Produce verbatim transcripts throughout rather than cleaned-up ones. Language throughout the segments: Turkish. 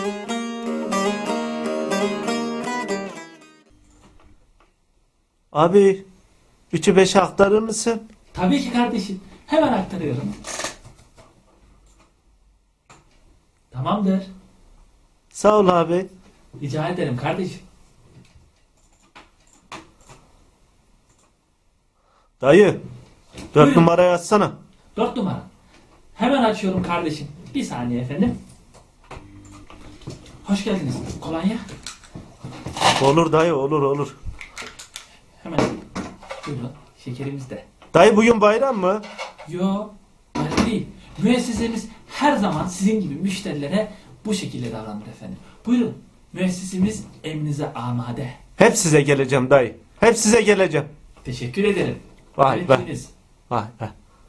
Abi, üçü beşe aktarır mısın? Tabii ki kardeşim. Hemen aktarıyorum. Tamamdır. Sağ ol abi. Rica ederim kardeşim. Dayı, dört Buyurun. numarayı açsana. Dört numara. Hemen açıyorum kardeşim. Bir saniye efendim. Hoş geldiniz. Kolonya. Olur dayı, olur olur. Hemen. Buyurun. Şekerimiz de. Dayı bugün bayram mı? Yo. Öyle değil. Müessesemiz her zaman sizin gibi müşterilere bu şekilde davranır efendim. Buyurun. Müessesemiz emrinize amade. Hep size geleceğim dayı. Hep size geleceğim. Teşekkür ederim. Vay be. Öğretmeniniz. Vay be.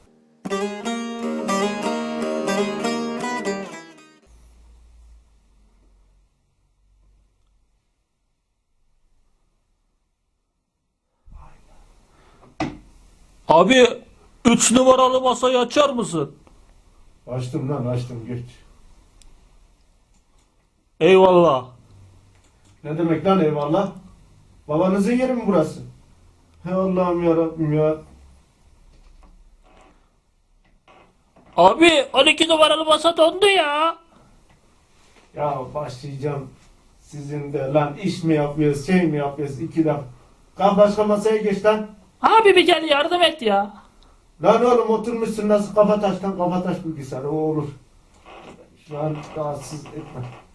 Abi üç numaralı masayı açar mısın? Açtım lan açtım geç. Eyvallah. Ne demek lan eyvallah? Babanızın yeri mi burası? He Allah'ım yarabbim ya. Abi on iki numaralı masa dondu ya. Ya başlayacağım. Sizin de lan iş mi yapıyoruz şey mi yapıyoruz iki dakika. Kalk başka masaya geç lan. Abi bir gel yardım et ya. Lan oğlum oturmuşsun nasıl kafa taştan kafa taş bilgisayarı o olur. Şu an rahatsız etme.